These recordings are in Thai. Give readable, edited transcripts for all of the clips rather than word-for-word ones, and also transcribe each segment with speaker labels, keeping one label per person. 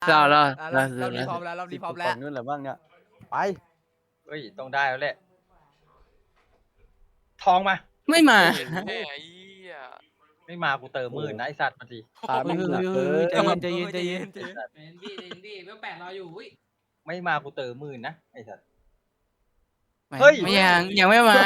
Speaker 1: เรา
Speaker 2: รอบนี้พร้อมแล้วรอบนี้พร้อมแล้ว
Speaker 3: นู่นแหละบ้างเนี่ยไป
Speaker 4: เฮ้ยต้องได้แล้วแหละทองมา
Speaker 1: ไม่มา
Speaker 5: แม่ไอ้เหี้ย
Speaker 4: ไม่มากูเติมหมื่นนะไอสัตว์มาที
Speaker 3: ขาไม่หนักเกิน
Speaker 2: ใจเย็นใจเย็น
Speaker 6: เป็นพี่เมื่อ8รออยู่อุ้ย
Speaker 4: ไม่มากูเติมหมื่นนะไอสัตว์
Speaker 1: ไม่
Speaker 4: เฮ้ย
Speaker 1: ไม่ยังไม่มา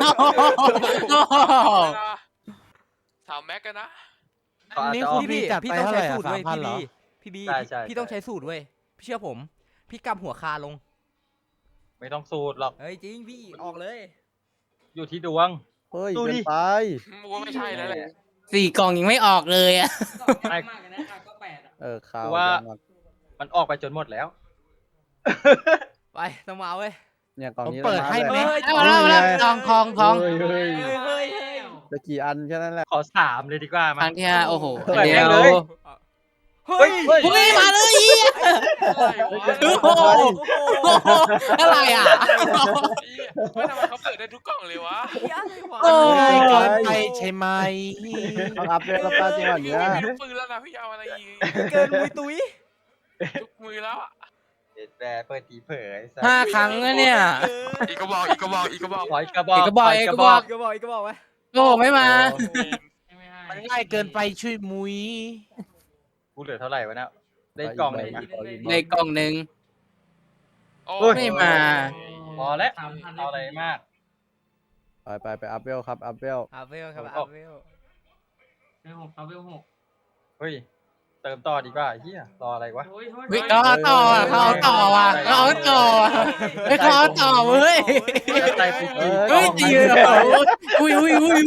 Speaker 5: 3 แม็กกันนะ
Speaker 4: ต่อ
Speaker 2: นี่
Speaker 4: จะอ
Speaker 2: คือ
Speaker 4: อก
Speaker 2: พี่ต้องใช้สูตรเว้ย
Speaker 3: 3,000เหรอ
Speaker 2: พี่บี
Speaker 4: ใช่
Speaker 2: พี่ต้องใช้สูตรเว้ยพี่เชื่อผม พี่กำหัวคาลง
Speaker 4: ไม่ต้องสูตรหรอก
Speaker 2: เฮ้ยจริงพี่ออกเลย
Speaker 4: อยู่ที่ดวง
Speaker 3: เฮ้ย
Speaker 4: ดู
Speaker 3: เกิ
Speaker 4: ดิ
Speaker 3: นไป
Speaker 5: มัวไม่ใช่แล้วแหละ
Speaker 1: 4 กล่องยังไม่ออกเลยอ่ะ
Speaker 6: ก็มากเลยนะก็8อ่ะ
Speaker 3: ข่าว
Speaker 4: ว่า
Speaker 3: ยังอะ
Speaker 4: มันออกไปจนหมดแล้ว
Speaker 2: ไปต้องมาเว้ย
Speaker 3: เนี่ยกล่องนี้
Speaker 7: ผมเปิดให้ไหม
Speaker 2: เฮ้ย
Speaker 1: เอาทองทอง
Speaker 3: เฮ้ย
Speaker 2: เฮ้ย
Speaker 3: จะกี่อันแค่นั้นแหละ
Speaker 4: ขอ3เลยดีกว่า
Speaker 1: ค
Speaker 4: มา
Speaker 1: รั้งที่5โอ้โห
Speaker 4: เปิด
Speaker 1: เดียว
Speaker 4: เลย
Speaker 2: เฮ้ย
Speaker 4: เฮ้ย
Speaker 1: เฮ้ยมาเลยอีก โอ้โห อะไรอ่ะ
Speaker 5: ไม่ทำไมเขาเปิดได้ทุกกล่องเลยวะ
Speaker 1: โอ้
Speaker 7: ง่ายเกินไปใช่ไหม
Speaker 3: ต้องอัพเลยแล้วป้าจังหวะเนี้ย
Speaker 5: พี่ลูกปืนแล้วนะพี่เอาอะไรอีก
Speaker 2: เกินมุยตุ้ย
Speaker 5: ทุกมือแล้วอะ
Speaker 4: เด็ดแบร์เปิดตีเผยไอ้สัตว์
Speaker 1: 5 ครั้งแล้วเนี่ย
Speaker 5: อีกกระบอกอีกกระบอกอีกกระบอก
Speaker 4: ขออีกกระบอก
Speaker 1: อีกกระบอก
Speaker 4: ข
Speaker 1: อีกกระบอก
Speaker 2: ก็บอกอีกก็บอกไว้
Speaker 1: โอ้ไม่มา
Speaker 6: ไม่ให้
Speaker 7: มันง่ายเกินไปช่วยมุย
Speaker 4: กูเหลือเท่าไหร่วะเนี่ยได้กล่องหนึ่งอะ
Speaker 1: ในกล่องหนึ่ง
Speaker 5: โอ้
Speaker 1: ไม่มา
Speaker 4: พอแล้ว
Speaker 6: 3,000
Speaker 4: เอาอะไรมาก
Speaker 3: ไปอัพเวลครับอัพเวล
Speaker 2: อาเวลครับ
Speaker 4: ผมอ
Speaker 2: อา
Speaker 4: อก
Speaker 2: เวล
Speaker 6: เวล6เอาเวล6
Speaker 4: เฮ้ยเติมต่อดีกว่าเฮียรออะไรวะ
Speaker 6: โอ้ย
Speaker 1: เฮ้ยเขาเอาต่ออ่ะเขาเอาต่อว่ะเขาเอาต่ออ่ะเฮ้ยเขาเอาต่อเว้ย
Speaker 4: ใจไปกี่
Speaker 1: เฮ้ยจริงเหรออุ้ย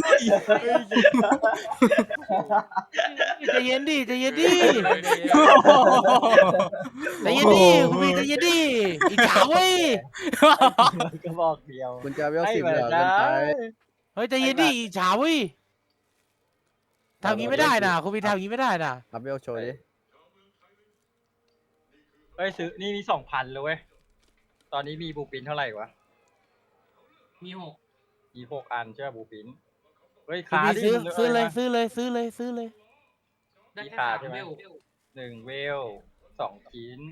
Speaker 7: ใจเย็นดิใจเย็นดิใจเย็นดิคุณพี่ใจเย็นดิอีกสาวเว้ย
Speaker 4: กระบอกเดียว
Speaker 3: คุณจะเวล
Speaker 4: ให้
Speaker 3: 10
Speaker 4: เหมื
Speaker 3: เห
Speaker 4: อ
Speaker 3: ลื
Speaker 4: น
Speaker 3: อ
Speaker 4: กั
Speaker 3: เกินไป
Speaker 7: เฮ้ยใจเย็นดิอีกสาวเว้ยทำงี้ไม่ได้นะคุณพี่ทำงี้ไม่ได้นะ
Speaker 3: อัพเวลโชว์ดิ
Speaker 4: เฮ้ยซื้อนี่มี2,000เลยเว้ยตอนนี้มีบูปินเท่าไหร่วะ
Speaker 6: มี6
Speaker 4: มี6 อันใช่ไหมบูปินเฮ้ย
Speaker 7: คุณ
Speaker 4: ขา
Speaker 7: พี่
Speaker 4: ดิ
Speaker 7: ซื้อเลยซื้อเลย
Speaker 6: ได้แค่
Speaker 4: ขาด
Speaker 6: 3
Speaker 4: ใช่ไหม
Speaker 6: เวล
Speaker 4: 1 เวล 2 ชิ้น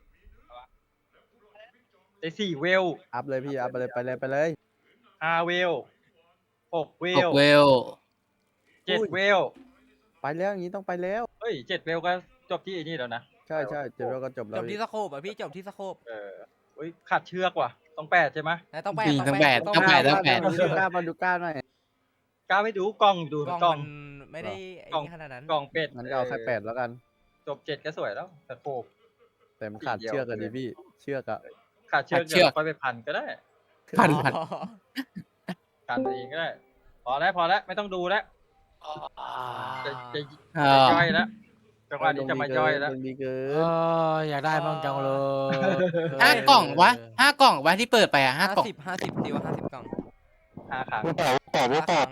Speaker 4: ได้4 เวล
Speaker 3: อัพเลยพี่อัพไปเลย
Speaker 4: 5 เวล 6 เว
Speaker 1: ห
Speaker 4: ล
Speaker 1: กเวล
Speaker 4: 7 เวล
Speaker 3: ไปแล้วอย่างนี้ต้องไปแล้ว
Speaker 4: เฮ้ย7 เวลก็จบที่ไอ้นี่แล้วนะ
Speaker 3: ใช่เจเวลก็จบแล้
Speaker 2: จ
Speaker 3: ว
Speaker 2: บที่สโคปอ่ะพี่จบที่สโคป
Speaker 4: เฮ้ยขาดเชือกว่ะต้อง8ใช่ไหม
Speaker 2: แต่ต้องแปด
Speaker 1: ต้องแปด
Speaker 2: ต้อง
Speaker 1: ต้องแปด
Speaker 2: แปด
Speaker 3: มาดูก้าหน่อย
Speaker 4: กล้าไม่ดูกล้องดู
Speaker 2: ก
Speaker 4: ก
Speaker 2: ล้
Speaker 4: ล้
Speaker 2: อ
Speaker 4: อง ง
Speaker 2: มันไม่ได้ไอ้นี่ขนาดนั้น
Speaker 4: กล้องเป็ด
Speaker 3: งั้นก็เอาแค่8แล้วกัน
Speaker 4: จบ7ก็สวยแล้วแต่โคบ
Speaker 3: แต่มันขาดเชือกกันดิพี่เชือกอะ
Speaker 4: ขาดเชือก
Speaker 1: ขาดเชื
Speaker 4: เดี๋
Speaker 1: อก
Speaker 4: ยวค่อยไปพันก็ได้
Speaker 1: พัน
Speaker 2: อ๋อ
Speaker 4: พันเองก็ได้ พอแล้วไม่ต้องดูแล้วจะ
Speaker 1: เอ
Speaker 4: จะ
Speaker 1: อ
Speaker 4: ย่อยแล้วจังหวะนี้จะมาย่อยแล้ว
Speaker 3: ดวงดีเกิ
Speaker 7: เอน ออยากได้บ้างจังเลย
Speaker 1: 5 กล่องวะ5 กล่องวะที่เปิดไปอ่ะ5 กล่อง
Speaker 2: 50ตีว่า50กล่อง
Speaker 4: 5 ครั้ง
Speaker 2: 5ครั้ง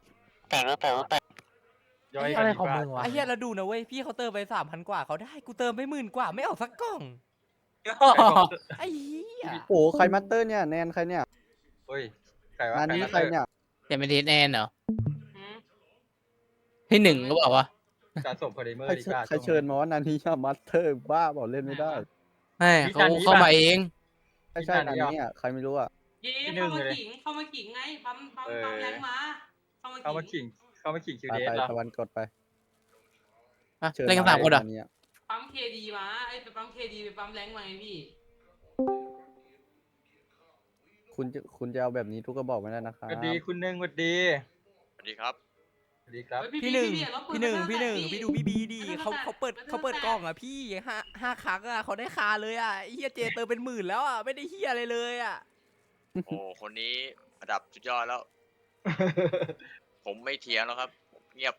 Speaker 4: ย่อย
Speaker 7: อะไร
Speaker 4: ดี
Speaker 7: ของ
Speaker 4: กว่า
Speaker 7: มึงวะ
Speaker 2: ไอ้เหี้ยเราดูนะเว้ยพี่เขาเติมไป3,000 กว่าเขาได้กูเติมไป10,000 กว่าไม่ออกสักกล่องไอ้เหี้ย
Speaker 3: โอ้ใครมาสเตอร์เนี่ยแนนใครเนี่ย
Speaker 4: เฮ้ยใครวะ
Speaker 3: งานนี้ใครเนี่ย
Speaker 1: จะเป็นเทสแอนเหรอ
Speaker 6: หืม
Speaker 1: ที่หนึ่งก็บอกว่า
Speaker 4: การส่งโพลิเมอร์
Speaker 3: ใคร
Speaker 4: ดีกว่า
Speaker 3: ใครเชิญมาว่านันนี้มาสเตอร์บ้าบอกเล่นไม่ได้
Speaker 1: ให้เขาเข้ามาเอง
Speaker 3: ใช่นันนี้อ่ะใครไม่รู้อ่ะ
Speaker 6: เข้ามาขิงไงปั๊มแรงมาเข้ามา
Speaker 4: เข้ามาขิงคิว
Speaker 3: ไป
Speaker 4: เดส
Speaker 3: ไป
Speaker 4: เหรอ
Speaker 3: ตะวันกดไป
Speaker 1: อ่ะเล่นกัน3 คนเหรอ
Speaker 3: นี้
Speaker 6: ปั๊มเคดีมาไอ้ไปปั๊มเคดีไปปั๊มแรงมาไงพี่
Speaker 3: คุณจะเอาแบบนี้ทุกกระบอกไม่ได้นะครับ
Speaker 4: สวัสดีคุณหนึ่งสวัสดี
Speaker 5: สวัสดีครับ
Speaker 4: สวัสดีครับ
Speaker 2: พี่หนึ่งพี่ดูพี่บีดีเขาเปิดกล่องอ่ะพี่ห้าครั้งอ่ะเขาได้คาเลยอ่ะไอ้เฮียเจเติมเป็น10,000แล้วอ่ะไม่ได้เฮียอะไรเลยอ่ะ
Speaker 8: โอ้คนนี้ระดับสุดยอดแล้ว ผมไม่เถียงแล้วครับ เงียบ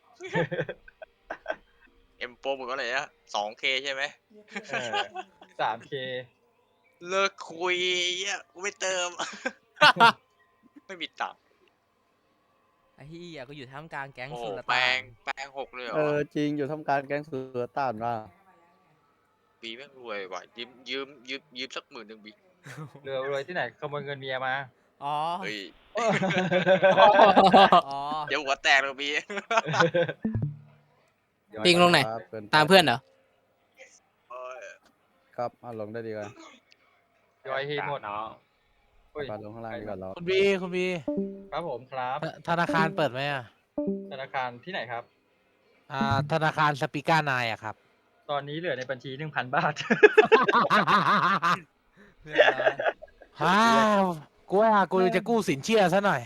Speaker 8: เอ็มโปรหมดว่าอะไรนะ 2K ใช่ไหม
Speaker 4: 3K
Speaker 8: เลิกคุยเหี้ยกูไม่เติม ไม่มีตังค์
Speaker 2: ไอ้เฮียก็อยู่ท่ามกลางแก๊ง
Speaker 8: โอ้โห
Speaker 2: สุล
Speaker 8: แปล
Speaker 2: ต่าน
Speaker 8: ง6เลยเหรอ
Speaker 3: จริงอยู่ทำการแก๊งเสือต้านว่า
Speaker 8: บีแม่งรวยว่ะยืมสัก10,000บี
Speaker 4: เรือรวยที่ไหนขโมยเงินเมียมา
Speaker 2: อ๋อ
Speaker 8: เฮ้ย
Speaker 2: อ๋อ
Speaker 8: เดี๋ยวหัวแตกเลยบี
Speaker 1: ปิงลงไหน ตามเพื่อนเหรอ
Speaker 8: โอ้ย
Speaker 3: ครับเอาลงได้ดีกว่า
Speaker 4: ย่อยทีหมด
Speaker 9: น้อง
Speaker 4: อุ้ย
Speaker 3: ปาลงข้างล่างดีกว่าเรา
Speaker 7: คุณบีคุณบี
Speaker 4: ครับผมครับ
Speaker 7: ธนาคารเปิดไหมอ่ะ
Speaker 4: ธนาคารที่ไหนครับ
Speaker 7: ธนาคารสปีก้านายอะครับ
Speaker 4: ตอนนี้เหลือในบัญชี 1,000 บาท
Speaker 2: เพื่อนเรา
Speaker 7: ฮ่าวกูว่ากูจะกู้สินเชื่อซะหน่อย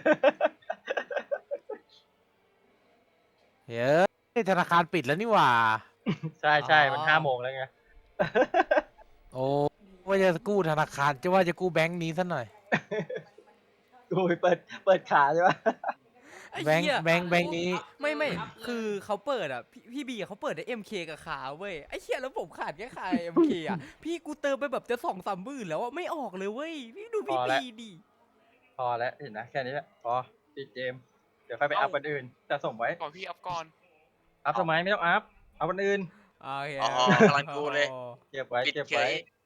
Speaker 7: เฮ้ยธนาคารปิดแล้วนี่หว่า
Speaker 4: ใช่ใช่มัน5 โมงแล้วไง
Speaker 7: โอ้ว่าจะกู้ธนาคารจะว่าจะกู้แบงค์นี้ซะหน่อย
Speaker 4: กูเปิดขาใช่ปะ
Speaker 2: ไอ้
Speaker 7: แบงค์
Speaker 2: เหี้ย
Speaker 7: แบงค์แบงค์นี้
Speaker 2: ไม่คือเขาเปิดอ่ะพี่บีเขาเปิดได้ MK กับขาเว้ยไอ้เหี้ยแล้วผมขาดแค่ขา MK อ่ะพี่กูเติมไปแบบจะ2-3หมื่นแล้วอ่ะไม่ออกเลยเว้ยพี่ดูพี่บีดิ
Speaker 4: พอแล้วเห็นนะแค่นี้แหละพอปิดเกม เดี๋ยวค่อยไปอัพวันอื่นจะส่งไว้
Speaker 5: ก่อนพี่อัพก่อน
Speaker 4: อัพทำไมไม่ต้องอัพเอาวันอื่น
Speaker 2: โอเค
Speaker 8: อ๋อกำลังดูเลย
Speaker 4: เก็บไว้
Speaker 8: ปิด
Speaker 4: เก็บ
Speaker 8: เฉ
Speaker 4: ไว้
Speaker 8: ย